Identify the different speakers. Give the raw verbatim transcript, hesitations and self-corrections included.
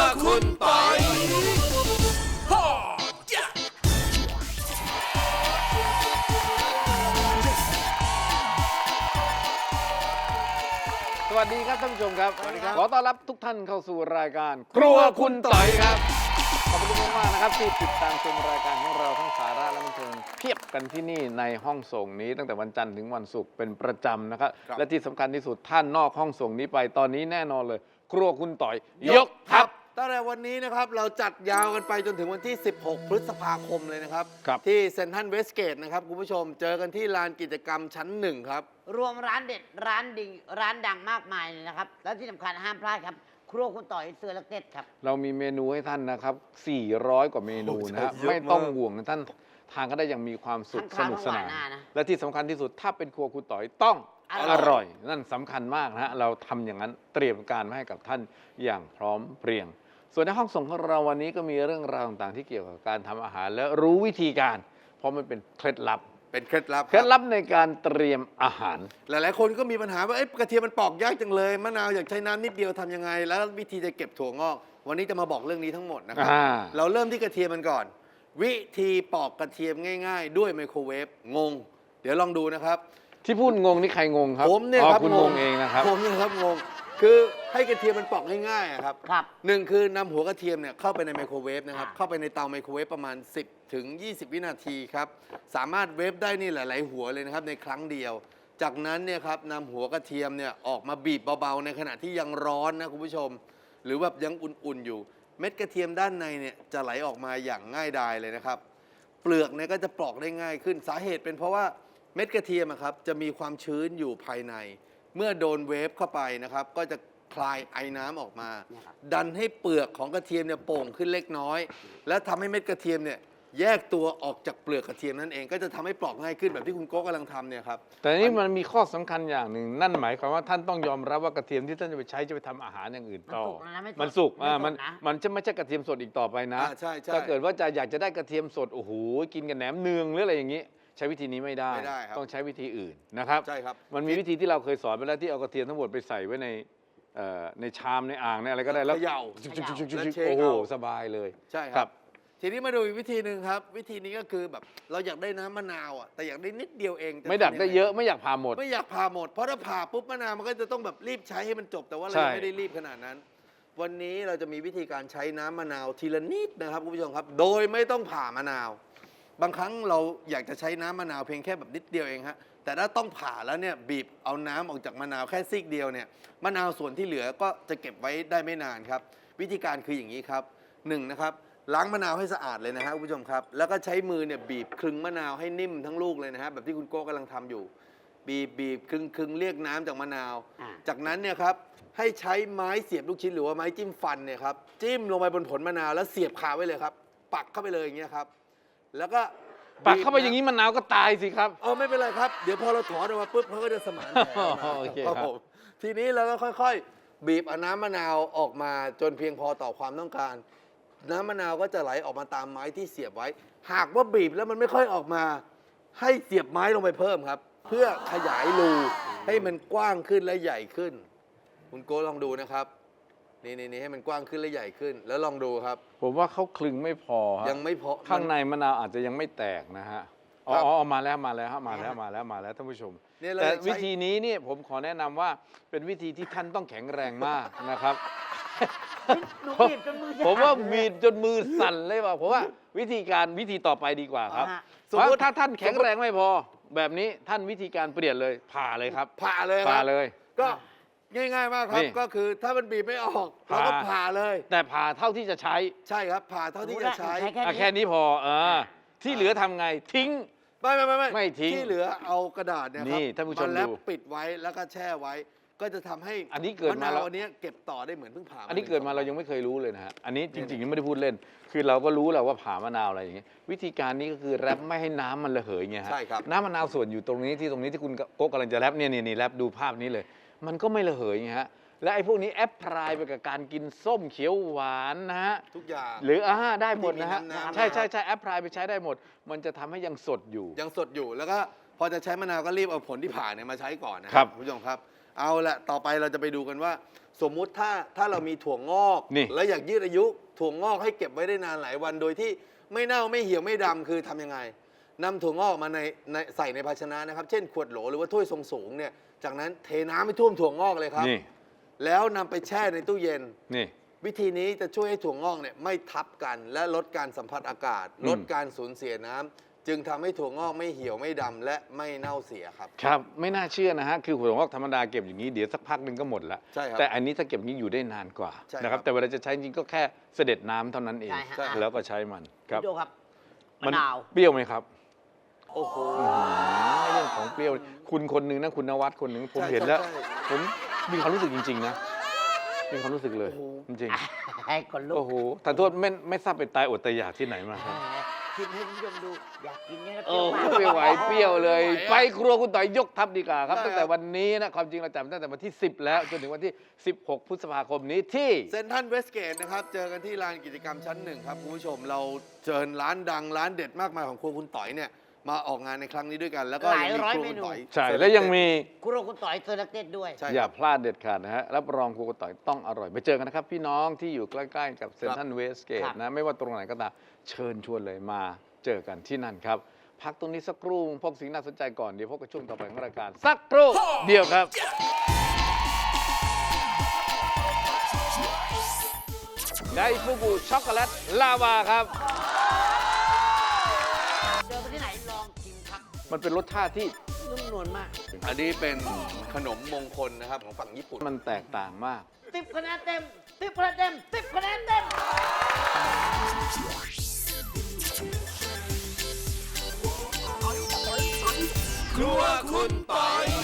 Speaker 1: คุณปอย
Speaker 2: สวัสดีครับท่านผู้ชมครับ
Speaker 1: สวัสดีครับ
Speaker 2: ขอต้อนรับทุกท่านเข้าสู่รายการครัวคุณต่อยครับ ขอบคุณมากๆนะครับที่ติดตามชมรายการของเราทั้งสาระและบันเทิงเพียบกันที่นี่ในห้องส่งนี้ตั้งแต่วันจันทร์ถึงวันศุกร์เป็นประจำนะครับ และที่สำคัญที่สุดท่านนอกห้องส่งนี้ไปตอนนี้แน่นอนเลย ครัวคุณต่อยยกทัพ
Speaker 1: ตั้งแต่วันนี้นะครับเราจัดยาวกันไปจนถึงวันที่ สิบหก พฤษภาคมเลยนะครับ
Speaker 2: ครับ
Speaker 1: ที่เซ็นทรัลเวสเกตนะครับคุณผู้ชมเจอกันที่ลานกิจกรรมชั้นหนึ่งครับ
Speaker 3: รวมร้านเด็ดร้านดีร้านดังมากมายเลยนะครับ แล้วที่สำคัญห้ามพลาดครับ ครัวคุณต่อยเสือลักเด็ดครับ
Speaker 2: เรามีเมนูให้ท่านนะครับ สี่ร้อย กว่าเมนูนะฮะ
Speaker 1: โอ้โหเยอะมาก
Speaker 2: ไม่ต้องห่วงนะท่านทานก็ได้อย่างมีความสุข
Speaker 3: ทั้
Speaker 2: ส
Speaker 3: ง
Speaker 2: นุก
Speaker 3: ข้าว
Speaker 2: สนาน
Speaker 3: ทั้งหวานหน้านะ
Speaker 2: และที่สำคัญที่สุดถ้าเป็นครัวคุณต่อยต้อง
Speaker 3: อ
Speaker 2: อ
Speaker 3: ร่อย
Speaker 2: ร่อย นั่นสำคัญมากนะฮะ เราทำอย่างนั้นเตรียมการมาให้กับท่านอย่างพร้อมเพรียง ส่วนในห้องส่งของเราวันนี้ก็มีเรื่องราวต่างๆที่เกี่ยวกับการทำอาหารและรู้วิธีการ เพราะมันเป็นเคล็ดลับ
Speaker 1: เป็นเคล็ดลับ
Speaker 2: เคล็ดลับในการเตรียมอาหาร
Speaker 1: หลายๆคนก็มีปัญหาว่าเอ๊ะกระเทียมมันปอกยากจังเลยมะนาวอยากใช้น้ำนิดเดียวทำยังไง แล้ววิธีจะเก็บถั่วงอก วันนี้จะมาบอกเรื่องนี้ทั้งหมดนะครับ
Speaker 2: อ่า
Speaker 1: เราเริ่มที่กระเทียมมันก่อน วิธีปอกกระเทียมง่ายๆ ด้วยไมโครเวฟงง เดี๋ยวลองดูนะครับ
Speaker 2: ที่พูดงงนี่ใครงงครับ
Speaker 1: ผมเนี่ย
Speaker 2: อ๋อ
Speaker 1: ครับ
Speaker 2: คุณงงเองนะครับ
Speaker 1: ผมเนี่ยครับงง คือให้กระเทียมมันปอกง่ายๆอะครับ
Speaker 3: ครับ
Speaker 1: หนึ่งคือนำหัวกระเทียมเนี่ยเข้าไปในไมโครเวฟนะครับ
Speaker 3: อ่า
Speaker 1: เข้าไปในเตาไมโครเวฟประมาณ สิบถึงยี่สิบ วินาทีครับ สามารถเวฟได้นี่หลายๆหัวเลยนะครับในครั้งเดียว จากนั้นเนี่ยครับนำหัวกระเทียมเนี่ยออกมาบีบเบาๆในขณะที่ยังร้อนนะคุณผู้ชม หรือแบบยังอุ่นๆอยู่ เม็ดกระเทียมด้านในเนี่ยจะไหลออกมาอย่างง่ายดายเลยนะครับ เปลือกเนี่ยก็จะปลอกได้ง่ายขึ้นสาเหตุเป็นเพราะว่าเม็ดกระเทียมอะครับจะมีความชื้นอยู่ภายใน เมื่อโดนเวฟเข้าไปนะครับ ก็จะคลายไอน้ำออกมา
Speaker 3: เนี่ยครับ
Speaker 1: ดันให้เปลือกของกระเทียมเนี่ยโป่งขึ้นเล็กน้อย และทำให้เม็ดกระเทียมเนี่ยแยกตัวออกจากเปลือกกระเทียมนั่นเองก็จะทำให้ปลอกง่ายขึ้นแบบที่คุณโก้กำลังทำเนี่ยครับ
Speaker 2: แต่นี่มันมีข้อสำคัญอย่างหนึ่งนั่นหมายความว่าท่านต้องยอมรับว่ากระเทียมที่ท่านจะไปใช้จะไปทำอาหารอย่างอื่นต่อ
Speaker 3: มันสุกนะไม่สด
Speaker 2: มันสุกอ่ามัน
Speaker 3: ไม่สดนะ
Speaker 2: มันจะไม่ใช่กระเทียมสดอีกต่อไปนะ
Speaker 1: อ่าใช่ใช่
Speaker 2: ถ้าเกิดว่าจะอยากจะได้กระเทียมสดโอ้โหกินกับแหนมเนืองหรืออะไรอย่างนี้ ใช้วิธีนี้ไม่ได้
Speaker 1: ไม่ได้ครับ
Speaker 2: ต้องใช้วิธีอื่นนะครับ
Speaker 1: ใช่ครับ
Speaker 2: มันมีวิธีที่เราเคยสอนไปแล้วที่เอากระเทียมทั้งหมดไปใส่ไว้ในเอ่อในชามในอ่างในอะไรก็ได้แล้ว
Speaker 1: เขย่า
Speaker 2: จุกๆๆๆๆ
Speaker 1: แล้วเช็ค
Speaker 2: โอ้โห
Speaker 1: เอา
Speaker 2: สบายเลย
Speaker 1: ใช่ค
Speaker 2: ครั
Speaker 1: รับ บ ทีนี้มาดูอีกวิธีหนึ่งครับ วิธีนี้ก็คือแบบเราอยากได้น้ำมะนาวอ่ะแต่อยากได้นิดเดียวเองจะ
Speaker 2: ไม่ดัก
Speaker 1: ทำงง
Speaker 2: ได้เยอะไม่อยากพาหมด
Speaker 1: ไม่อยากผ่าหมด เพราะถ้าผ่าปุ๊บมะนาวมันก็จะต้องแบบรีบใช้ให้มันจบ แต่ว่าเรา
Speaker 2: ใช่
Speaker 1: ยังไม่ได้รีบขนาดนั้น วันนี้เราจะมีวิธีการใช้น้ำมะนาวทีละนิดนะครับคุณผู้ชมครับ โดยไม่ต้องผ่ามะนาว บางครั้งเราอยากจะใช้น้ำมะนาวเพียงแค่แบบนิดเดียวเองฮะ แต่ถ้าต้องผ่าแล้วเนี่ยบีบเอาน้ำออกจากมะนาวแค่ซีกเดียวเนี่ยมะนาวส่วนที่เหลือก็จะเก็บไว้ได้ไม่นานครับ วิธีการคืออย่างนี้ครับหนึ่งนะครับล้างมะนาวให้สะอาดเลยนะฮะคุณผู้ชมครับ แล้วก็ใช้มือเนี่ยบีบคลึงมะนาวให้นิ่มทั้งลูกเลยนะฮะแบบที่คุณโก้กำลังทำอยู่ บีบบีบคลึงคลึงเรียกน้ำจากมะนาว
Speaker 3: อ่า
Speaker 1: จากนั้นเนี่ยครับให้ใช้ไม้เสียบลูกชิ้นหรือว่าไม้จิ้มฟันเนี่ยครับจิ้มลงไปบนผลมะนาวแล้วเสียบคาไว้เลยครับ ปักเข้าไปเลยอย่างเงี้ยครับ แล้วก็
Speaker 2: ปักเข้าไปอย่างนี้มะนาวก็ตายสิครับ
Speaker 1: เออไม่เป็นไรครับ เดี๋ยวพอเราถอนออกมาปุ๊บเขาก็จะสมานแผลออกมา
Speaker 2: โอเคครับ
Speaker 1: ผมทีนี้เราก็ค่อยๆ บีบเอาน้ำมะนาวออกมาจนเพียงพอต่อความต้องการ น้ำมะนาวก็จะไหลออกมาตามไม้ที่เสียบไว้ หากว่าบีบแล้วมันไม่ค่อยออกมา ให้เสียบไม้ลงไปเพิ่มครับ เพื่อขยายรูให้มันกว้างขึ้นและใหญ่ขึ้น คุณโก้ลองดูนะครับ นี่นี่นี่ให้มันกว้างขึ้นและใหญ่ขึ้น แล้วลองดูครับ
Speaker 2: ผมว่าเขาคลึงไม่พอฮะ
Speaker 1: ยังไม่พอ
Speaker 2: ข้างในมะนาวอาจจะยังไม่แตกนะฮะอ๋อ
Speaker 1: ครับ
Speaker 2: อ๋อมาแล้วมาแล้วฮะมาแล้วมาแล้วมาแล้วท่านผู้ชม
Speaker 1: เนี่ยเรา
Speaker 2: แต่
Speaker 1: จะใช้
Speaker 2: วิธีนี้เนี่ยผมขอแนะนำว่าเป็นวิธีที่ท่านต้องแข็งแรงมากนะครับ
Speaker 3: หนูบีบจนมือ
Speaker 2: ผมว่าบีบจนมือสั่นเลยว่ะผมว่าวิธีการวิธีต่อไปดีกว่าครับ
Speaker 3: อ่าฮะ
Speaker 2: เพราะถ้าท่านแข็งแรงไม่พอ แบบนี้ท่านวิธีการเปลี่ยนเลยผ่าเลยครับ
Speaker 1: ผ่าเลยค
Speaker 2: ผ่า
Speaker 1: รับ
Speaker 2: เลย
Speaker 1: ก็ง่ายๆมากครับ
Speaker 2: นี่
Speaker 1: ก็คือถ้ามันบีบไม่ออกเราก็
Speaker 2: ผ่า
Speaker 1: ผ่าเลย
Speaker 2: แต่ผ่าเท่าที่จะใช้
Speaker 1: ใช่ครับผ่าเท่าที่จะใช้
Speaker 3: แค่
Speaker 2: อ่ะ
Speaker 3: นี้
Speaker 2: แค่นี้พอเออที่เหลือทำไงทิ้ง
Speaker 1: ไม่ไม่ไม่
Speaker 2: ไม่ทิ้ง
Speaker 1: ที่เหลือเอากระดาษเนี่ยครั
Speaker 2: นี่ท่านผู้ชม
Speaker 1: แลบ
Speaker 2: ดู
Speaker 1: ปิดไว้แล้วก็แช่ไว้ ก็จะทำให้
Speaker 2: อันนี้เกิดมา
Speaker 1: ะ
Speaker 2: แล้
Speaker 1: นาว วอันเนี้ยเก็บต่อได้เหมือนเพิ่งผ่า
Speaker 2: อันนี้เกิดมาเรายังไม่เคยรู้เลยนะฮะ อันนี้จริงๆไม่ได้พูดเล่น คือเราก็รู้แหละว่าผ่ามะนาวอะไรอย่างเงี้ย วิธีการนี้ก็คือแรปไม่ให้น้ำมันระเหยไงฮะ
Speaker 1: ใช่ครับ
Speaker 2: น้ำมะนาวส่วนอยู่ตรงนี้ที่ตรงนี้ที่คุณโก๊กกำลังจะแรปเนี่ยนี่นี่แรปดูภาพนี้เลย มันก็ไม่ระเหยไงฮะ และไอ้พวกนี้แอปพลายไปกับการกินส้มเขียวหวานนะฮะ
Speaker 1: ทุกอย่าง
Speaker 2: หรืออ่าได้หมดนะฮะ
Speaker 1: ที่มีน้ำๆ
Speaker 2: ใช่ใช่ใช่แอปพลายไปใช้ได้หมด มันจะทำให้ยังสดอยู่
Speaker 1: ยังสดอยู่แล้วก็พอจะใช้มะนาวก็รีบเอาผลที่ผ่าเนี่ยมาใช้ก่อนนะครับ คุณผู้ชมครับ เอาละต่อไปเราจะไปดูกันว่าสมมุติถ้าถ้าเรามีถั่วงอก
Speaker 2: นี่
Speaker 1: แล้วอยากยืดอายุถั่วงอกให้เก็บไว้ได้นานหลายวันโดยที่ไม่เน่าไม่เหี่ยวไม่ดำคือทำยังไงนำถั่วงอกมาในในใส่ในภาชนะนะครับ เช่นขวดโหลหรือว่าถ้วยทรงสูงเนี่ยจากนั้นเทน้ำให้ท่วมถั่วงอกเลยครับ
Speaker 2: นี่
Speaker 1: แล้วนำไปแช่ในตู้เย็น
Speaker 2: นี่
Speaker 1: วิธีนี้จะช่วยให้ถั่วงอกเนี่ยไม่ทับกัน และลดการสัมผัสอากาศ
Speaker 2: อืม
Speaker 1: ลดการสูญเสียน้ำจึงทำให้ถั่วงอกไม่เหี่ยวไม่ดำและไม่เน่าเสียครับ
Speaker 2: ครับไม่น่าเชื่อนะฮะคือหัวงอกธรรมดาเก็บอย่างนี้เดี๋ยวสักพักหนึ่งก็หมดละ
Speaker 1: ใช่ครับ
Speaker 2: แต่อันนี้ถ้าเก็บอย่างนี้อยู่ได้นานกว่า
Speaker 1: ใช่ครับ
Speaker 2: นะครับแต่เวลาจะใช้จริงก็แค่เสด็จน้ำเท่านั้นเอง
Speaker 3: ใช่ฮะ
Speaker 1: ใช่ครับ
Speaker 2: แล้วก็ใช้มันครับ
Speaker 3: พี่โจครับ
Speaker 2: มั
Speaker 3: มะนาว
Speaker 2: เปรี้ยวไหมครับ
Speaker 1: โอ้โห
Speaker 2: เรื่องของเปรี้ยวคุณคนหนึ่งนะคุณนวัดคนหนึ่งผม
Speaker 1: ใช่
Speaker 2: เห็นแล้ว
Speaker 1: ใช่ใช่
Speaker 2: ผมมีความรู้สึกจริง ๆ นะมีความรู้สึกเลย
Speaker 1: โอ้โห
Speaker 2: จริง
Speaker 3: ให้คนลุ
Speaker 2: ๆ
Speaker 3: ก
Speaker 2: โอ้โหทานโทษไม่ไม่ทราบเป็นตายอดตายอยากที่ไหนมาครับ
Speaker 3: ชิมให้คุณผู้ชมดู อยากกินเนี่ยนะ
Speaker 2: โอ้
Speaker 3: เปรี้ยวมาก
Speaker 2: ไม่ไหวเปรี้ยวเลย ไปครัวคุณต่อยยกทัพดีกว่าครับ
Speaker 1: ได้ครับ
Speaker 2: ตั้งแต่วันนี้นะความจริงเราจัดตั้งแต่วันที่ สิบ แล้วจนถึงวันที่ สิบหก พฤษภาคมนี้ที่
Speaker 1: เซนทรัลเวสเกตนะครับ เจอกันที่ลานกิจกรรมชั้นหนึ่งครับคุณผู้ชมเราเชิญร้านดังร้านเด็ดมากมายของครัวคุณต่อยเนี่ยมาออกงานในครั้งนี้ด้วยกัน แล้วก็
Speaker 3: หลาย
Speaker 1: งมี
Speaker 3: ร้อย
Speaker 1: ครัว
Speaker 3: เม
Speaker 1: คุณ
Speaker 3: นู
Speaker 1: ต่อย
Speaker 2: ใช่และยังมี
Speaker 3: ครัวคุณต่อยเซอร์ลักเต็ดด้วย
Speaker 1: ใช่
Speaker 2: อย่า
Speaker 1: ครับ
Speaker 2: พลาดเด็ดขาดนะฮะรับรองครัวคุณต่อยต้องอร่อยไปเจอกันนะครับ พี่น้องที่อยู่ใกล้ๆกับเซนทรัลเวสเกต
Speaker 3: ครับ
Speaker 2: นะไม่ว่าตรงไหนก็ตามเชิญชวนเลยมาเจอกันที่นั่นครับ พักตรงนี้สักครู่พบสิ่งน่าสนใจก่อนเดี๋ยวพบกับช่วงต่อไปของรายการสักครู่เดียวครับ ไดฟูกุช็อกโกแลตลาวาครับ
Speaker 3: เจอไปที่ไหนลองชิมครับ
Speaker 2: มันเป็นรสชาติที่
Speaker 3: นุ่มนวลมาก
Speaker 1: อันนี้เป็นขนมมงคลนะครับของฝั่งญี่ปุ่น
Speaker 2: มันแตกต่างมาก
Speaker 3: สิบคะแนนเต็มสิบคะแนนเต็มสิบคะแนนเต็ม
Speaker 1: ครัวคุณต่อย